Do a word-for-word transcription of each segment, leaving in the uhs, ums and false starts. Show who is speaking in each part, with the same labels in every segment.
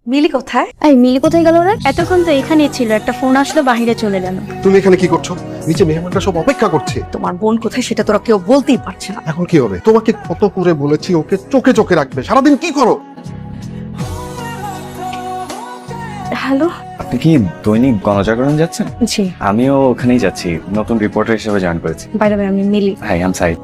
Speaker 1: মিলি কোথায়?
Speaker 2: এই মিলি কোথায় গেল রে? এতক্ষণ তো এখানেই ছিল, একটা ফোন আসলো বাইরে চলে গেল।
Speaker 3: তুমি এখানে কি করছো? নিচে মেহমানরা সব অপেক্ষা করছে।
Speaker 1: তোমার বোন কোথায় সেটা তোরা কেউ বলতেই পারছে না।
Speaker 3: এখন কি হবে? তোমাকে কত করে বলেছি ওকে চোখে চোখে রাখবে, সারাদিন কি করো?
Speaker 1: হ্যালো।
Speaker 4: আপনি কি দৈনিক গণজাগরণ যাচ্ছেন?
Speaker 1: জি।
Speaker 4: আমিও ওখানেই যাচ্ছি, নতুন রিপোর্টার হিসেবে জয়েন করেছি।
Speaker 1: বাইরে বাইরে আমি মিলি।
Speaker 4: হাই, আম সাইদ।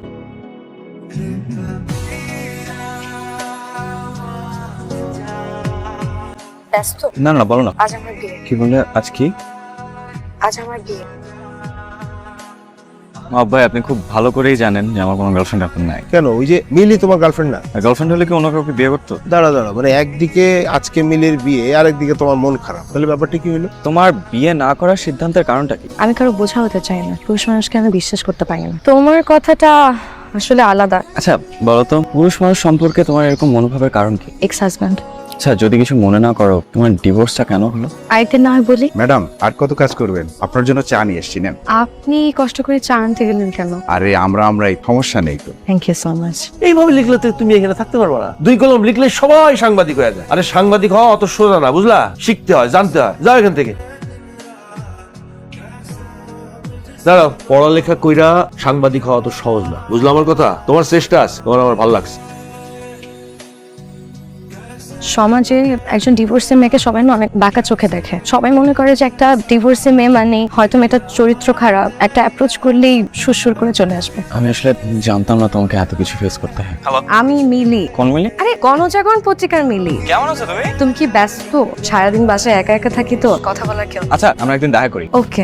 Speaker 1: ব্যস্ত?
Speaker 4: না না, বলো না।
Speaker 1: আজ আমার বিয়ে।
Speaker 4: কি বললে? আজ কি?
Speaker 1: আজ আমার বিয়ে।
Speaker 4: ভাই, আপনি খুব ভালো করেই জানেন যে আমার কোনো গার্লফ্রেন্ড এখন নাই।
Speaker 5: কেন? ওই যে মিলি তোমার গার্লফ্রেন্ড না?
Speaker 4: গার্লফ্রেন্ড হলে কি অন্য কাউকে বিয়ে করতো?
Speaker 5: দাঁড়া দাঁড়া, মানে একদিকে আজকে মিলির বিয়ে আর একদিকে তোমার মন খারাপ, তাহলে ব্যাপারটা কি হলো?
Speaker 4: তোমার বিয়ে না করার সিদ্ধান্তের কারণটা কি?
Speaker 1: আমি কারো বোঝা হতে চাই না, পুরুষ মানুষকে আমি বিশ্বাস করতে পারি না। তোমার কথাটা আসলে আলাদা।
Speaker 4: আচ্ছা বলো তো, পুরুষ মানুষ সম্পর্কে তোমার এরকম মনোভাবের কারণ কি?
Speaker 1: Ex husband.
Speaker 4: আচ্ছা, যদি কিছু মনে না করো, তোমার ডিভোর্সটা কেন হলো?
Speaker 1: আইতে না হয় বলি।
Speaker 6: ম্যাডাম, আর কত কাজ করবেন? আপনার জন্য চা নিয়ে এসছি, নেন।
Speaker 1: আপনি কষ্ট করে চা আনতে গেলেন কেন?
Speaker 6: আরে আমরা আমরা এই সমস্যা নেই তো।
Speaker 1: Thank you so much.
Speaker 5: এইভাবে লিখলে তো তুমি এখানে থাকতে পারবে না। দুই কলম লিখলে সবাই সাংবাদিক হয়ে যায়। আরে সাংবাদিক হওয়া অত সোজা না, বুঝলা? শিখতে হয়, জানতে হয়। যাও এখান থেকে। দাঁড়াও, পড়ালেখা কইরা সাংবাদিক হওয়া তো সহজ না, বুঝলো আমার কথা? তোমার চেষ্টা আছে, তোমার আমার ভালো লাগছে।
Speaker 1: সমাজে একজন ডিভোর্সি মেয়েকে সবাই না অনেক বাঁকা চোখে দেখে। সবাই মনে করে যে একটা ডিভোর্সি মেয়ে মানে হয়তো মেয়েটার চরিত্র খারাপ, একটা অ্যাপ্রোচ করলেই সুরসুর করে চলে আসবে।
Speaker 4: আমি আসলে জানতাম না তোমাকে এত কিছু ফেস করতে হয়।
Speaker 1: আমি মিলি।
Speaker 4: কোন মিলি?
Speaker 1: আরে গণজাগরণ পত্রিকার মিলি।
Speaker 4: কেমন আছো তুমি?
Speaker 1: তুমি কি ব্যস্ত? সারাদিন বাসায় একা একা থাকি তো কথা বলার কেউ।
Speaker 4: আচ্ছা, আমরা একদিন দেখা করি।
Speaker 1: ওকে।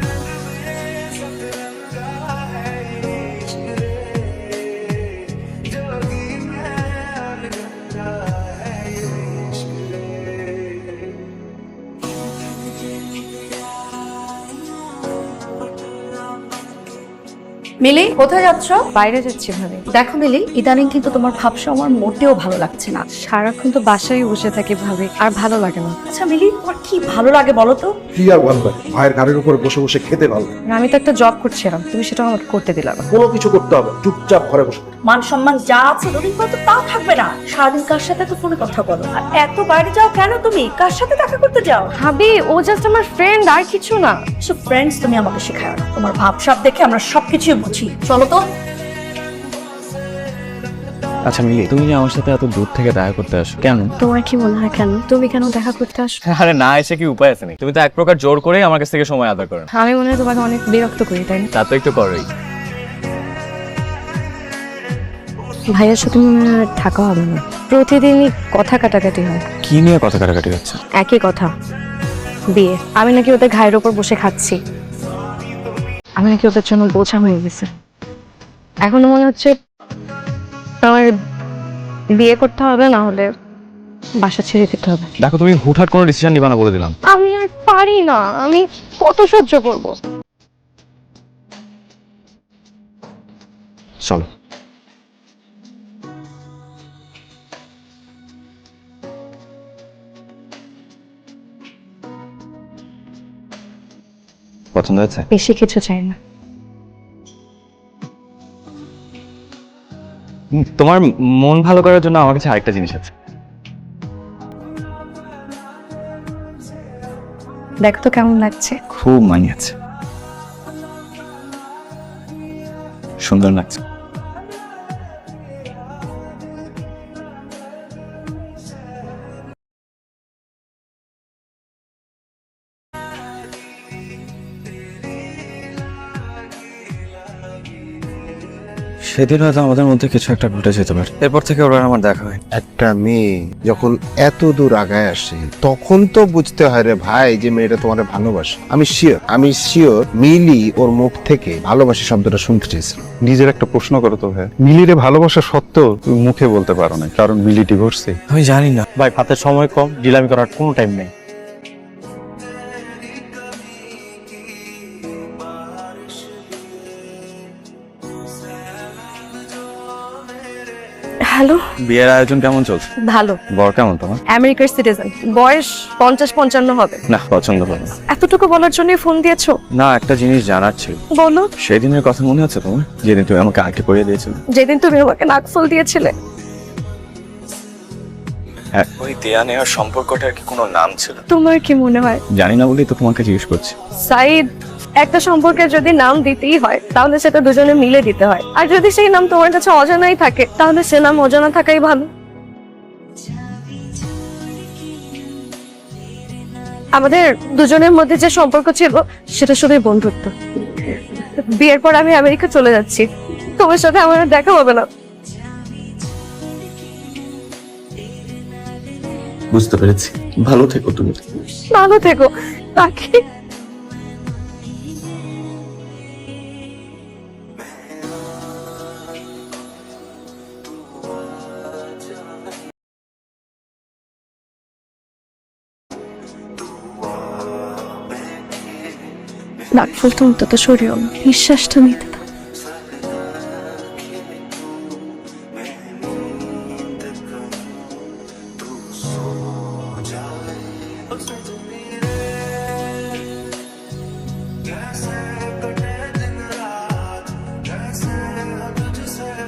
Speaker 2: মিলি কোথায় যাচ্ছ?
Speaker 1: বাইরে যাচ্ছি ভাবে।
Speaker 2: দেখো মিলি, ইদানিং কিন্তু তোমার ভাবসা আমার মোটেও ভালো লাগছে না।
Speaker 1: সারাক্ষণ তো বাসায় বসে থাকি ভাবে, আর ভালো লাগে না।
Speaker 2: আচ্ছা মিলি, তোমার কি ভালো লাগে বলো তো?
Speaker 3: কি আর বলবে? ভাইয়ের ঘাড়ের উপরে বসে বসে খেতে ভালো লাগে।
Speaker 1: আমি তো একটা জব করছিলাম, তুমি সেটা আমাকে করতে দিলা না।
Speaker 3: কোনো কিছু করতে হবে, চুপচাপ ঘরে বসে থাকো।
Speaker 2: মান সম্মান যা আছে দুদিন পর তো তাও থাকবে না। সারাদিন কার সাথে তো ফোনে কথা বলো, আর এত বাইরে যাও কেন? তুমি কার সাথে দেখা করতে যাও?
Speaker 1: ভাবি, ও জাস্ট আমার ফ্রেন্ড, আর কিছু না।
Speaker 2: সো ফ্রেন্ডস তুমি আমাকে শেখাও না। তোমার ভাবসাব দেখে আমরা সবকিছুই বুঝি। চলো তো।
Speaker 4: আচ্ছা মিলি, তুমি যে আমার সাথে এত দূর থেকে দেখা করতে আসো কেন?
Speaker 1: তোমার কি মনে হয় কেন? তুমি কেন দেখা করতে আসো?
Speaker 4: আরে না, এসে কি উপায় আছে? তুমি তো এক প্রকার জোর করেই আমার কাছ থেকে সময় আদায় করেন।
Speaker 1: আমি মনে হয় তোমাকে অনেক বিরক্ত করি, তাই না?
Speaker 4: তা তো একটু করোই।
Speaker 1: ভাইয়ের সাথে মনে হয় আর থাকা হবে না। প্রতিদিনই কথা কাটাকাটি হয়।
Speaker 4: কি নিয়ে কথা কাটাকাটি হচ্ছে?
Speaker 1: একই কথা, বিয়ে। আমি নাকি ওদের ঘায়ের ওপর বসে খাচ্ছি। আমি নাকি ওদের জন্য বোঝা হয়ে গেছে। এখনো মনে হচ্ছে আমার বিয়ে করতে হবে, না হলে বাসা ছেড়ে দিতে হবে।
Speaker 4: দেখো, তুমি হুটহাট কোনো ডিসিশন নিবা না বলে দিলাম।
Speaker 1: আমি আর পারি না, আমি কত সহ্য করব?
Speaker 4: চলো। পছন্দ হয়েছে?
Speaker 1: বেশি কিছু চাই না।
Speaker 4: তোমার মন ভালো করার জন্য আমার কাছে আরেকটা জিনিস আছে।
Speaker 1: দেখো তো কেমন লাগছে।
Speaker 4: খুব মানিয়েছে, সুন্দর লাগছে। সেদিন হয়তো আমাদের মধ্যে কিছু একটা ঘটে যেতে পারে, এরপর থেকে ওরা আমার দেখা হয়।
Speaker 5: একটা মেয়ে যখন এত দূর আগায় আসে, তখন তো বুঝতে হয় রে ভাই যে মেয়েটা তোমার ভালোবাসে। আমি শিওর, আমি শিওর মিলি ওর মুখ থেকে ভালোবাসি শব্দটা শুনতে চেয়েছিল।
Speaker 6: নিজের একটা প্রশ্ন করো তো ভাই, মিলিরে ভালোবাসা সত্ত্বেও তুমি মুখে বলতে পারো না, কারণ মিলি ডিভোর্সে।
Speaker 4: আমি জানি না
Speaker 7: ভাই, হাতে সময় কম, ডিলামি করার কোনো টাইম নেই।
Speaker 1: হ্যালো।
Speaker 4: বিয়ের আয়োজন কেমন চলছে?
Speaker 1: ভালো।
Speaker 4: বর কেমন তোমার?
Speaker 1: আমেরিকার সিটিজেন, বয়স পঞ্চাশ পঞ্চান্ন হবে।
Speaker 4: না, পছন্দ করো না।
Speaker 1: এতটুকু বলার জন্যই ফোন দিয়েছো?
Speaker 4: না, একটা জিনিস জানার ছিল।
Speaker 1: বলো।
Speaker 4: সেদিনের কথা মনে আছে তোমার, যেদিন তুমি আমাকে আঁকে পড়িয়ে দিয়েছিলে?
Speaker 1: যেদিন তুমি আমাকে নাক ফুল দিয়েছিলে।
Speaker 4: হ্যাঁ, ওই দেয়া নেওয়ার সম্পর্কটার কি কোনো নাম ছিল?
Speaker 1: তোমার কি মনে হয়?
Speaker 4: জানি না বলেই তো তোমাকে জিজ্ঞেস করছি।
Speaker 1: সাইদ, একটা সম্পর্কে যদি নাম দিতেই হয় তাহলে সেটা দুজনে মিলে দিতে হয়। আর যদি সেই নাম তোমার কাছে অজানাই থাকে তাহলে সে নাম অজানা থাকাই ভালো। আমাদের দুজনের মধ্যে যে সম্পর্ক ছিল সেটা শুধুই বন্ধুত্ব। বিয়ের পর আমি আমেরিকা চলে যাচ্ছি, তোমার সাথে আমার আর দেখা হবে না।
Speaker 4: বুঝতে পেরেছি, ভালো থেকো তুমি।
Speaker 1: ভালো থেকো। তাকে নাক ফুলতে অন্তত সরিও না, নিঃশ্বাসটা নিতে দাও।
Speaker 8: Yes.